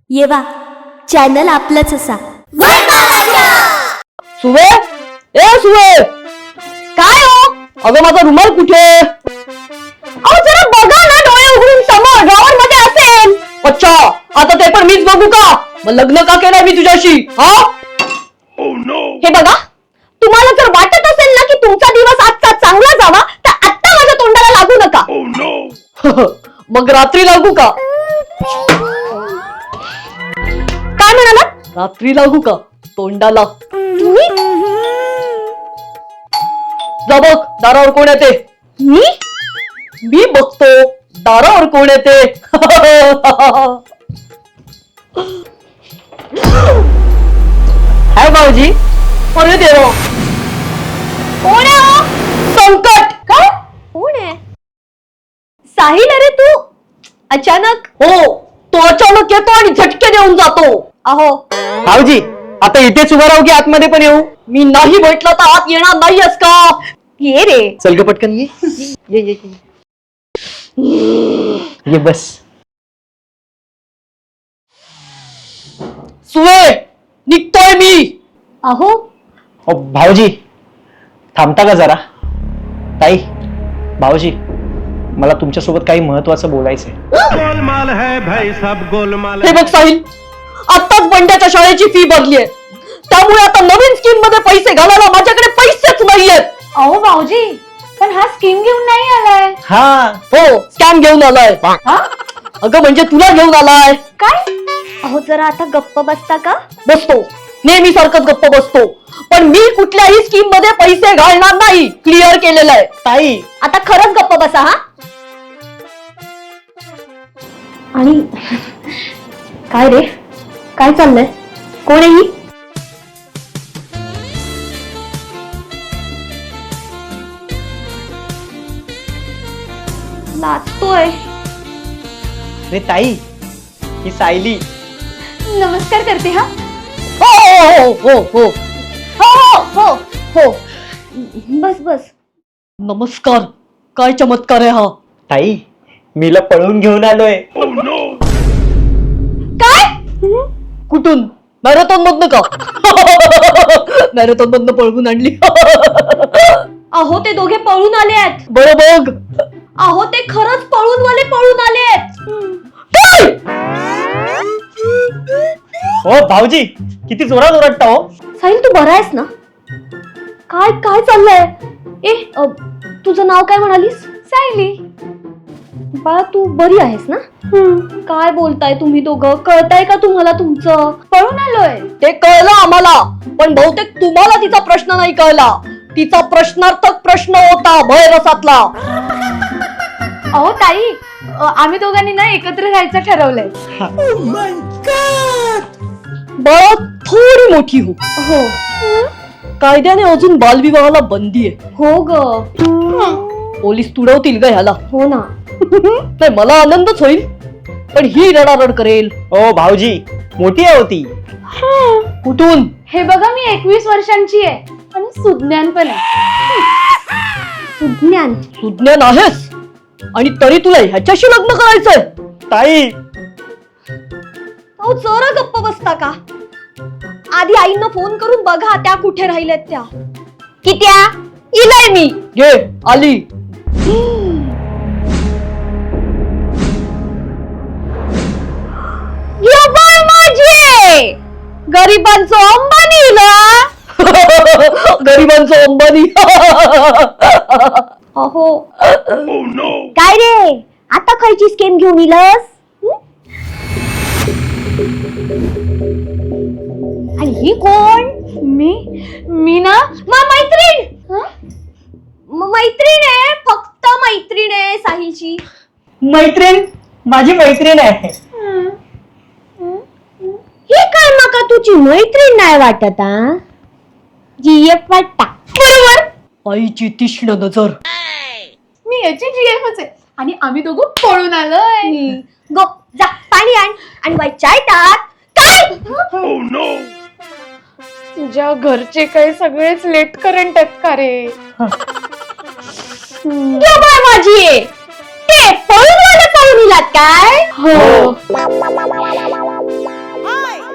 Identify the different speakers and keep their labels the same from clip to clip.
Speaker 1: येवा चॅनल आपलंच असा.
Speaker 2: सुवे, ए सुवे,
Speaker 1: काय हो?
Speaker 2: अगं माझा रुमाल कुठे?
Speaker 1: अहो जरा बघा ना, डोळे उघडून समोर ड्रॉवर मध्ये असेल.
Speaker 2: अच्छा, आता ते पण मीच बघू का? मग लग्न का केलंय मी तुझ्याशी? हा?
Speaker 1: हे बघा, तुम्हाला जर वाटत असेल ना की तुमचा दिवस आजचा चांगला जावा, तर आत्ता माझ्या तोंडाला लागू नका.
Speaker 2: मग रात्री लागू का?
Speaker 1: काय म्हणाला?
Speaker 2: रात्री लागू का तोंडाला?
Speaker 1: तुम्ही?
Speaker 2: जा बघ दारावर कोण येते. मी बघतो दारावर कोण येते. हाय भाऊजी, अरे देवा,
Speaker 1: कोण आहे हो?
Speaker 2: संकट.
Speaker 1: काय? कोण आहे? साहिल, अरे तू अचानक?
Speaker 2: हो, तो अचानक येतो आणि झटके देऊन जातो.
Speaker 1: अहो
Speaker 2: भाऊजी, आता इथेच उभा राहू की आतमध्ये पण येऊ? मी नाही म्हटलं तर आत येणार नाहीयेस का?
Speaker 1: ये रे.
Speaker 2: चल ग पटकन ये. ये ये ये बस. सुवे, निघतोय मी.
Speaker 1: अहो
Speaker 3: भाऊजी थांबता का जरा? ताई, भाऊजी, मला तुमच्यासोबत काही महत्वाचं बोलायचंय.
Speaker 4: गोलमाल है भाई, सब गोलमाल
Speaker 2: हे बघ साहिल, आत्ताच बंड्याच्या शाळेची फी भरलीये, त्यामुळे आता नवीन स्कीम मध्ये पैसे घालायला माझ्याकडे पैसेच नाहीयेत.
Speaker 1: अहो भाऊजी, पण हा स्कीम घेऊन नाही आलाय.
Speaker 3: हा,
Speaker 2: हो, स्कॅम घेऊन आलाय. अगं म्हणजे तुला घेऊन आलाय.
Speaker 1: काय? अहो जरा आता गप्प बसता का?
Speaker 2: बसतो, नेहमी सारखंच गप्प बसतो, पण मी कुठल्याही स्कीम मध्ये पैसे घालणार नाही. क्लिअर केलेलं आहे.
Speaker 3: ताई,
Speaker 1: आता खरंच गप्प बसा. हा, आणि काय रे, काय चाललंय? कोण आहे ही? लाजतोय.
Speaker 3: अरे ताई, ही सायली.
Speaker 1: नमस्कार करते. हा,
Speaker 2: हो हो हो हो
Speaker 1: हो हो हो हो, बस बस.
Speaker 2: नमस्कार. काय चमत्कार आहे हा.
Speaker 3: ताई, मीला पळून घेऊन आलोय.
Speaker 1: काय?
Speaker 2: कुठून? मॅरेथॉन मधनं का? मॅरेथॉन मधनं पळवून आणली.
Speaker 1: अहो ते दोघे पळून आले आहेत.
Speaker 2: बरं बघ.
Speaker 1: अहो ते खरंच पळून आले आहेत.
Speaker 3: हो भाऊजी, किती जोरात ओरडता हो.
Speaker 1: साहिल, तू बरा आहेस ना? काय काय चाललंय? तुझं नाव काय म्हणालीस? सायली. बाळा, तू बरी आहेस ना? काय बोलताय तुम्ही दोघं? कळताय का तुम्हाला तुमचं? पळून आलोय.
Speaker 2: ते कळलं आम्हाला, पण बहुतेक तुम्हाला तिचा प्रश्न नाही कळला. तिचा प्रश्नार्थक प्रश्न होता भयरसातला.
Speaker 1: अहो ताई, आम्ही दोघांनी ना एकत्र राहायचं ठरवलंय.
Speaker 2: बाळा, थोडी मोठी हो.
Speaker 1: हो
Speaker 2: कायद्याने अजून बालविवाहाला बंदी आहे.
Speaker 1: हो ग.
Speaker 2: पोलीस तुडवतील ग ह्याला.
Speaker 1: हो ना.
Speaker 2: नाही, मला आनंदच होईल, पण ही रडारड करेल.
Speaker 3: ओ भाऊजी, मोठी आहे होती.
Speaker 2: कुठून?
Speaker 1: हे बघा, मी 21 वर्षांची आहे आणि सुज्ञान पण आहे. सुज्ञान?
Speaker 2: सुज्ञान आहेस आणि तरी तुला ह्याच्याशी लग्न करायचंय?
Speaker 3: ताई,
Speaker 1: अहो जरा गप्प बसता का? आधी आईंना फोन करून बघा, त्या कुठे राहिल्यात त्या. कित्या? इलाय मी.
Speaker 2: घे, आली.
Speaker 1: यो बाय माझी, गरिबांचं अंबानी इला.
Speaker 2: गरिबांचं अंबानी.
Speaker 1: अहो काय रे, आता खायची स्कीम घेऊन इलस? आणि ही कोण? मी ना मैत्रीण. मैत्रीण आहे, फक्त मैत्रीण आहे साहिलची.
Speaker 3: मैत्रीण? माझी मैत्रीण आहे.
Speaker 1: ही काय माका तुझी मैत्रीण नाही वाटत? जीएफ वाटता. बरोबर.
Speaker 2: आईची तीक्ष्ण नजर.
Speaker 1: मी याची जीएफच आहे आणि आम्ही दोघं पळून आलोय. गो जा, पाणी आण आणि बाई चाय टाक. काय?
Speaker 5: तुझ्या घरचे काही सगळेच लेट करंट आहेत का रे?
Speaker 1: माझी ते पळून पळून इलात काय?
Speaker 5: हो.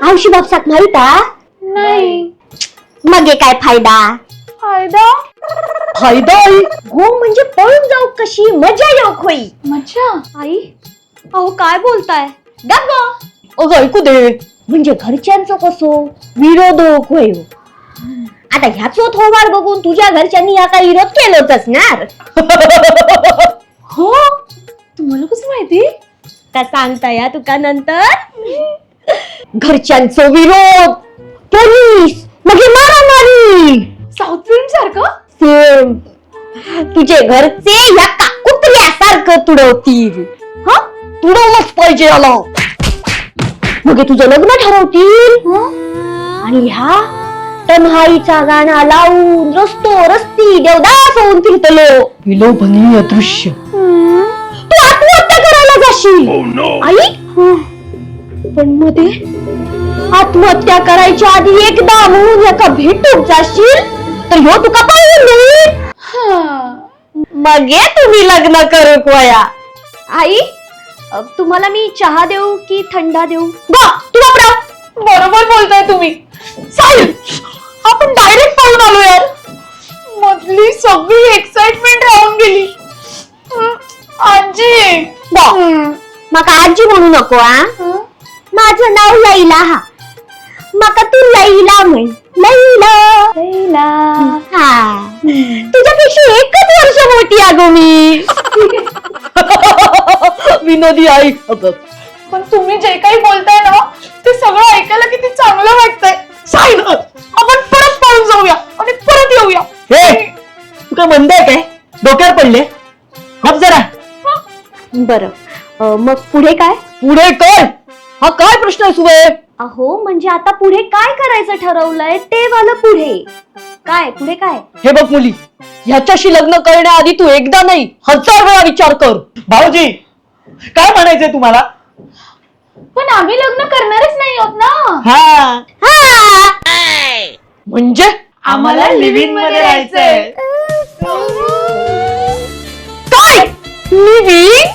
Speaker 1: आवशी बापसाक माहित आ?
Speaker 5: नाही.
Speaker 1: मग हे काय फायदा?
Speaker 5: फायदा?
Speaker 2: फायदा आई?
Speaker 1: हो म्हणजे पळून जाऊ कशी मजा येऊ खोई.
Speaker 5: मज्जा?
Speaker 1: आई अहो काय बोलताय? गप्प.
Speaker 2: अगं ऐकू दे.
Speaker 1: म्हणजे घरच्यांचं कसो विरोध होय. आता ह्याचो थोबाड बघून तुझ्या घरच्यांनी या काही विरोध केलंच असणार.
Speaker 5: हो, तुम्हाला कसं माहिती?
Speaker 1: का सांगता या तुका नंतर?
Speaker 2: घरच्यांचं विरोध,
Speaker 1: पोलीस मग हे मारामारी.
Speaker 5: साऊथ फिल्म सारखं?
Speaker 1: सेम. तुझे घरचे या कुत्र्यासारखं तुडवतील.
Speaker 2: हा तुडवलंच पाहिजे याला.
Speaker 1: मग हे तुझं लग्न ठरवतील आणि ह्या तन्हाईचा गाणा लावून रस्ती देवदास होऊन फिरतलो.
Speaker 2: विलोभनीय दृश्य.
Speaker 1: तू आत्महत्या करायला जाशील. आई पण मध्ये आत्महत्या करायच्या आधी एकदा म्हणून एका भेटूक जाशील तर ह्यो तुका पाहून देईल. मग ये तुम्ही लग्न करू कोया. आई तुम्हाला मी चहा देऊ की थंडा देऊ? तुला
Speaker 5: बरोबर बोलताय तुम्ही.
Speaker 2: साहिल, आपण डायरेक्ट पाहून आलो यार.
Speaker 5: मधली सगळी एक्साइटमेंट राहून गेली. आजी.
Speaker 1: माका आजी म्हणू नको. माझं नाव लैला. हा माका तू लैला म्हण. लैला लैला. हा तुझ्यापेक्षा एकच वर्ष मोठी अगो मी.
Speaker 2: विनोदी आई.
Speaker 5: पण तुम्ही जे काही बोलताय ना ते सगळं ऐकायला किती चांगलं वाटतंय.
Speaker 2: साहिल, आपण परत पाहून जाऊया आणि परत येऊया.
Speaker 3: हे तू काय म्हणताय काय? डोक्यावर पडले? गप जरा.
Speaker 1: बरं मग पुढे काय?
Speaker 2: पुढे काय? हा काय प्रश्न आहे सुबे?
Speaker 1: अहो म्हणजे आता पुढे काय करायचं ठरवलंय ते वाला पुढे काय? पुढे काय?
Speaker 2: हे बघ मुली, ह्याच्याशी लग्न करण्याआधी तू एकदा नाही 1000 वेळा विचार कर.
Speaker 3: भाऊजी काय म्हणायचंय तुम्हाला?
Speaker 5: पण आम्ही लग्न करणारच नाही आहोत ना.
Speaker 3: हा
Speaker 2: म्हणजे
Speaker 5: आम्हाला लिव्हिंग मध्ये राहायचंय.
Speaker 2: काय? लिव्हिंग?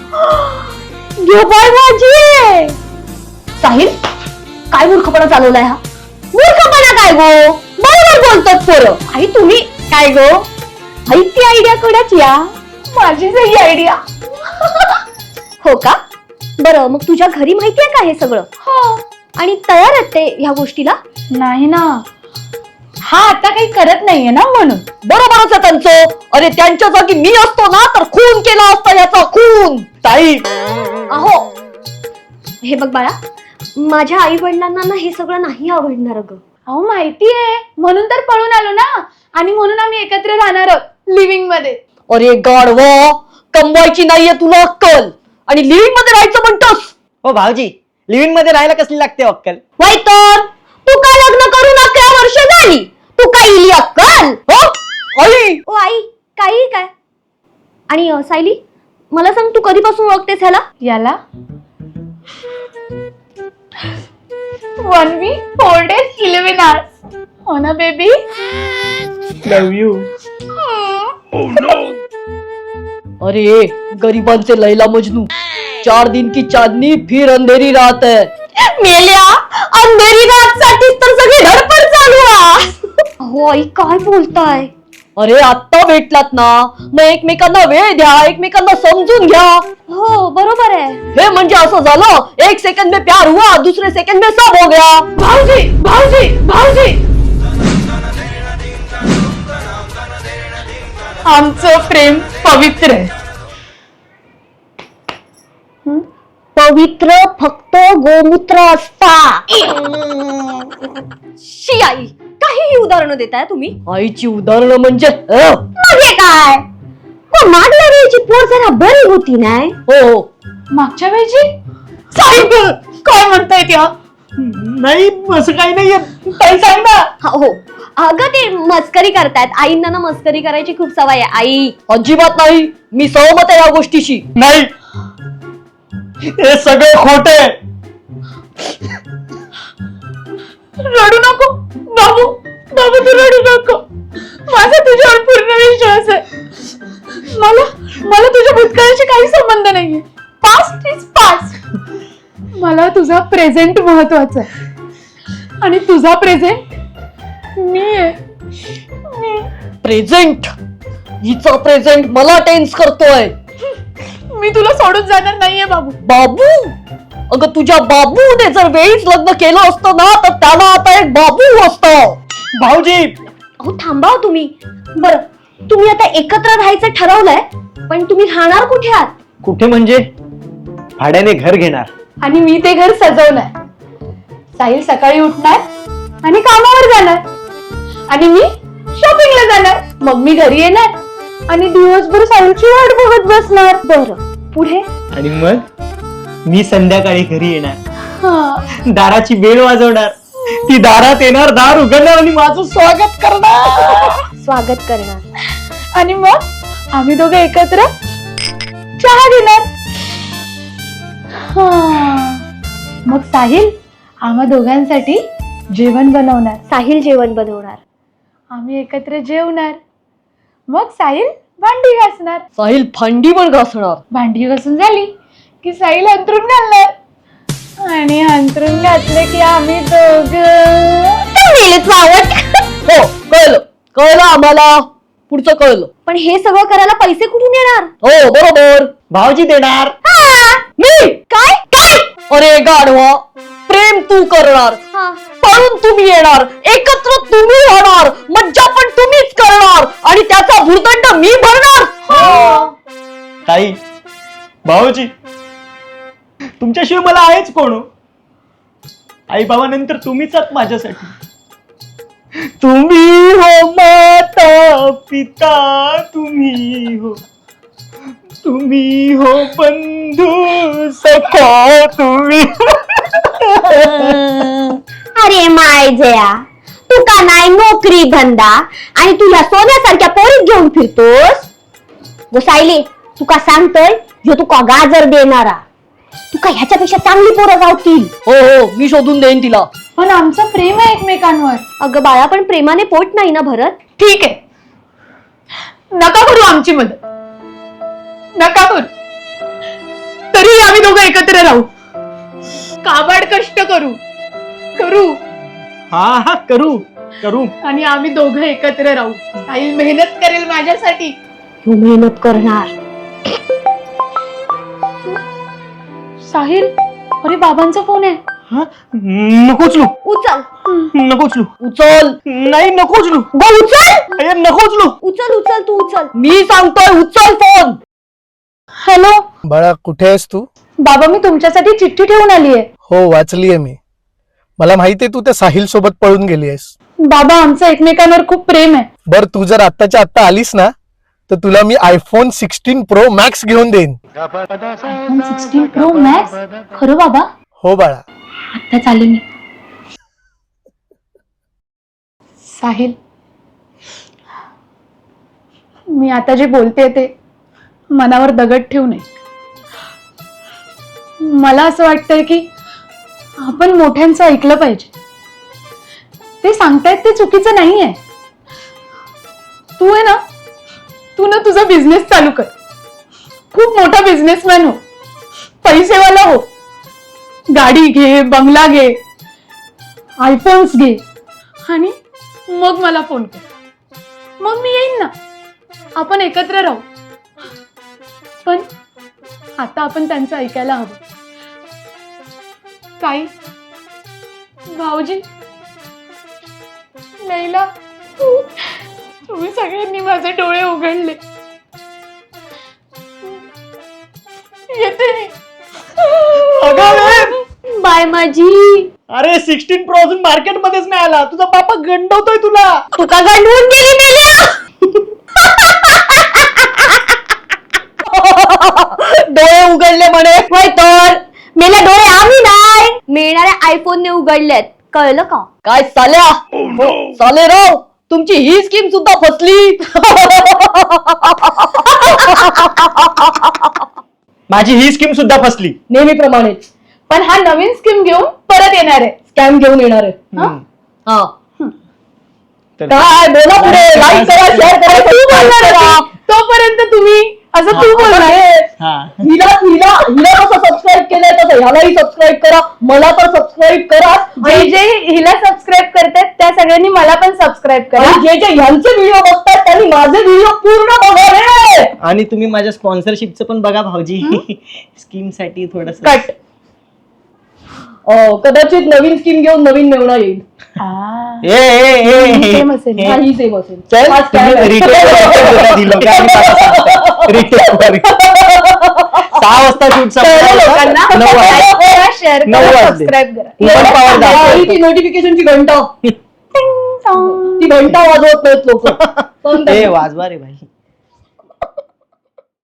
Speaker 1: बाय माझी.
Speaker 2: साहिल, काय मूर्खपणा चालवलाय हा?
Speaker 1: मूर्खपणा काय गो? बरोबर बोलतात पोरं. आई तुम्ही काय गो? आई ती आयडिया कोणाची या?
Speaker 5: माझीच ही आयडिया.
Speaker 1: हो का? बरं मग तुझ्या घरी माहितीये का हे सगळं?
Speaker 5: हो.
Speaker 1: आणि तयार आहेत ते ह्या गोष्टीला?
Speaker 5: नाही ना, हा आता काही करत नाहीये ना म्हणून.
Speaker 2: बरोबरच आहे त्यांचं. अरे त्यांच्या जागी मी असतो ना तर खून केला असता याचा खून.
Speaker 3: ताई
Speaker 1: अहो हे बघ बाळा, माझ्या आई वडिलांना ना हे सगळं नाही आवडणार ग.
Speaker 5: अहो माहितीये म्हणून तर पळून आलो ना. आणि म्हणून आम्ही एकत्र राहणार आहोत लिव्हिंग मध्ये.
Speaker 2: अरे गाढवा, कमवायची नाहीये तुला अक्कल आणि लिव्हिंग मध्ये राहायचं म्हणतोस.
Speaker 3: हो भाऊजी, लिव्हिंग मध्ये राहायला कसली लागते अक्कल?
Speaker 1: वय तर तू का लग्न करून 11 वर्ष झाली? तू काय इली अक्कल?
Speaker 2: हो? आई,
Speaker 1: ओ आई काही काय? आणि सायली मला सांग, तू कधीपासून ओळखतेस ह्याला?
Speaker 5: याला 1 week 4 days 11 hours. हो ना बेबी?
Speaker 3: Love you.
Speaker 2: अरे गरीबांचे लैला मजनू. 4 दिन की चांदनी फिर अंधेरी रात है.
Speaker 1: मेल्या अंधेरी रात साठीच तर सगळी धडपड चालू आहे. अहो आई काय बोलताय?
Speaker 2: अरे आत्ता भेटलात ना, मग एकमेकांना वेळ द्या, एकमेकांना समजून घ्या.
Speaker 1: हो बरोबर आहे.
Speaker 2: हे म्हणजे असं झालं, 1 सेकंड में प्यार हुआ, दूसरे सेकंड में सब हो गया.
Speaker 5: भाऊजी भाऊजी भाऊजी, आमचं प्रेम पवित्र आहे.
Speaker 1: पवित्र फक्त गोमूत्र असता. शी आई, काही उदाहरणं देताय तुम्ही?
Speaker 2: आईची उदाहरणं म्हणजे
Speaker 1: म्हणजे काय? पण मागल्या वेळची पोर जरा बरी होती नाही?
Speaker 2: हो.
Speaker 5: मागच्या वेळची? साहेब काय म्हणताय त्या?
Speaker 3: नाही असं काही नाहीये.
Speaker 5: ताई सांग ना.
Speaker 1: हो अगं ते मस्करी करतायत. आईंना ना मस्करी करायची खूप सवय आहे. आई
Speaker 2: अजिबात नाही, मी सहमत आहे या गोष्टीशी.
Speaker 3: नाही, हे सगळे खोटे.
Speaker 5: रडू नको बाबू, बाबू तू रडू नको. माझा तुझ्यावर पूर्ण विश्वास आहे. मला तुझ्या भूतकाळाशी काही संबंध नाहीये. Past is past. मला तुझा प्रेझेंट महत्वाचा आहे. आणि तुझा प्रेझेंट मी आहे.
Speaker 2: प्रेझेंट? हिचा प्रेझेंट मला टेन्स करतोय.
Speaker 5: मी तुला सोडून जाणार नाहीये बाबू.
Speaker 2: बाबू? अगं तुझ्या बाबूने जर वेळीच लग्न केलं असतं ना तर त्याला आता एक बाबू असतो.
Speaker 3: भाऊजी
Speaker 1: अहो थांबा हो तुम्ही. बरं, तुम्ही आता एकत्र राहायचं ठरवलंय, पण तुम्ही राहणार कुठे आहात?
Speaker 3: कुठे म्हणजे? भाड्याने घर घेणार.
Speaker 5: आणि मी ते घर सजवणार. साहिल सकाळी उठणार आणि कामावर जाणार आणि मी शॉपिंगला जाणार. मग मी घरी येणार आणि दिवसभर साहिलची वाट बघत बसणार.
Speaker 1: बरं, पुढे?
Speaker 3: आणि मग मी संध्याकाळी घरी येणार,
Speaker 5: हा.
Speaker 3: दाराची बेल वाजवणार, ती दारात येणार, दार उघडणार आणि माझं स्वागत करणार.
Speaker 1: स्वागत करणार.
Speaker 5: आणि मग आम्ही दोघे एकत्र चहा घेणार. हा. मग साहिल आम्हा दोघांसाठी जेवण बनवणार.
Speaker 1: साहिल जेवण बनवणार.
Speaker 5: आम्ही एकत्र जेवणार. मग साहिल भांडी घासणार.
Speaker 2: साहिल भांडी पण घासणार.
Speaker 5: भांडी घासून झाली की साहिल अंथरूण घालणार आणि अंथरूण घातले की आम्ही दोघं
Speaker 2: हो, कळलं कळलं आम्हाला. पुढचं कळलं.
Speaker 1: पण हे सगळं करायला पैसे कुठून येणार?
Speaker 2: हो बरोबर.
Speaker 3: भाऊजी देणार.
Speaker 2: मी
Speaker 1: काय काय?
Speaker 2: अरे गाढवा, प्रेम तू करणार,
Speaker 1: हा.
Speaker 2: पळून तुम्ही येणार, एकत्र तुम्ही राहणार, मज्जा पण तुम्हीच करणार आणि त्याचा भुर्दंड मी भरणार.
Speaker 3: ताई, भाऊजी, तुमच्याशिवाय मला आहेच कोण? आई बाबानंतर तुम्हीच आहात माझ्यासाठी. तुम्ही हो माता पिता, तुम्ही हो बंधू सखा, तुम्ही.
Speaker 6: अरे माय जया, तू का नाही नोकरी धंदा आणि तुझ्या सोन्यासारख्या पोरीत घेऊन फिरतोस? गोसाईली, तू का सांगतोय जो तू का गाजर देणारा? तू का ह्याच्यापेक्षा चांगली पोरं गावतील?
Speaker 2: हो हो, मी शोधून देईन तिला.
Speaker 5: पण आमचं प्रेम आहे एकमेकांवर.
Speaker 1: अगं बाळा, पण प्रेमाने पोट नाही ना भरत.
Speaker 5: ठीक आहे, नका करू आमची मदत, नका करू. तरी आम्ही दोघं एकत्र राहू, काबाड कष्ट करू
Speaker 3: हा करू.
Speaker 5: आणि आम्ही दोघं एकत्र राहू. साहिल मेहनत करेल माझ्यासाठी.
Speaker 6: तू मेहनत करणार.
Speaker 5: साहिल, अरे बाबांचा फोन आहे.
Speaker 3: नको उचलू,
Speaker 1: उचल
Speaker 3: नको उचलू.
Speaker 2: उचल.
Speaker 3: नाही, नको उचलू.
Speaker 1: उचल
Speaker 3: नको उचलू.
Speaker 1: उचल उचल तू उचल.
Speaker 2: मी सांगतोय उचल फोन.
Speaker 5: हॅलो
Speaker 7: बाळा, कुठे आहेस तू?
Speaker 5: बाबा, मी तुमच्यासाठी चिठ्ठी ठेवून आली आहे.
Speaker 7: हो, वाचलीये मी. मला माहितीये तू त्या साहिल सोबत पळून गेली आहेस.
Speaker 5: बाबा, आमचं एकमेकांवर खूप प्रेम आहे.
Speaker 7: बर, तू जर आत्ताच्या आत्ता आलीस ना तर तुला मी iPhone 16 Pro Max घेऊन देईन.
Speaker 5: iPhone 16 Pro Max? खरं बाबा?
Speaker 7: हो बाळा.
Speaker 5: आता चालेल मी. साहिल, मी आता जे बोलते ते मनावर दगड ठेवू नये. मला असं वाटतंय की आपण मोठ्यांचं ऐकलं पाहिजे. ते सांगतायत ते चुकीचं नाहीये. तू ना तुझा बिझनेस चालू कर. खूप मोठा बिझनेसमॅन हो, पैसेवाला हो. गाडी घे, बंगला घे, आयफोन्स घे आणि मग मला फोन कर. मग मी येईन ना, आपण एकत्र राहू. पण आता आपण त्यांचं ऐकायला हवं. ताई, भाऊजी, लैला, तुम्ही सगळ्यांनी माझे डोळे उघडले. येते मी.
Speaker 1: बाय माझी.
Speaker 3: अरे 16 Pro अजून मार्केट मध्येच नाही आला. तुझा बापा गंडवतोय तुला.
Speaker 1: तू का गंडवून गेली मेल्या?
Speaker 2: डोळे उघडले म्हणे.
Speaker 1: होय तर मेल्या डोळे आम्ही नाही, मिळणाऱ्या आयफोनने उघडलेत. कळलं का?
Speaker 2: काय साल्या? साले राव, तुमची ही स्कीम सुद्धा फसली.
Speaker 3: माझी ही स्कीम सुद्धा फसली.
Speaker 2: नेहमीप्रमाणेच
Speaker 5: पण हा नवीन स्कीम घेऊन परत येणार आहे.
Speaker 2: स्कॅम घेऊन येणार आहे. हा,
Speaker 3: तर
Speaker 2: काय बोला पुढे. लाईक करा, शेअर करा, सबस्क्राईब करा.
Speaker 5: तोपर्यंत तुम्ही असं तू बोलणार
Speaker 3: हा
Speaker 2: हिला हिला हिला कसं सबस्क्राईब केलंय तसं ह्यालाही सबस्क्राईब करा, मला तर सबस्क्राईब करा.
Speaker 5: जे जे हिला सबस्क्राईब करतात त्या सगळ्यांनी मला पण सबस्क्राईब करा.
Speaker 2: आणि जे जे ह्यांचे व्हिडिओ बघतात त्यांनी माझे व्हिडिओ पूर्ण बघा रे.
Speaker 3: आणि तुम्ही माझ्या स्पॉन्सरशिपचं पण बघा भाऊजी. स्कीम साठी थोडस
Speaker 5: कट.
Speaker 2: कदाचित नवीन स्कीम घेऊन नवीन मेवणा येईल.
Speaker 5: Same असेल.
Speaker 2: काही सेम असेल.
Speaker 3: चल
Speaker 2: हाच काय आहे.
Speaker 3: सहा वाजता शूट
Speaker 5: लोकांना like करा, share
Speaker 3: नऊ
Speaker 5: करा,
Speaker 3: वाजले.
Speaker 5: सबस्क्राईब करा.
Speaker 3: Open power दाखव.
Speaker 2: आणि ती नोटिफिकेशनची घंटा ती घंटा वाजवत नाहीत लोक.
Speaker 3: ए वाजवा रे भाई.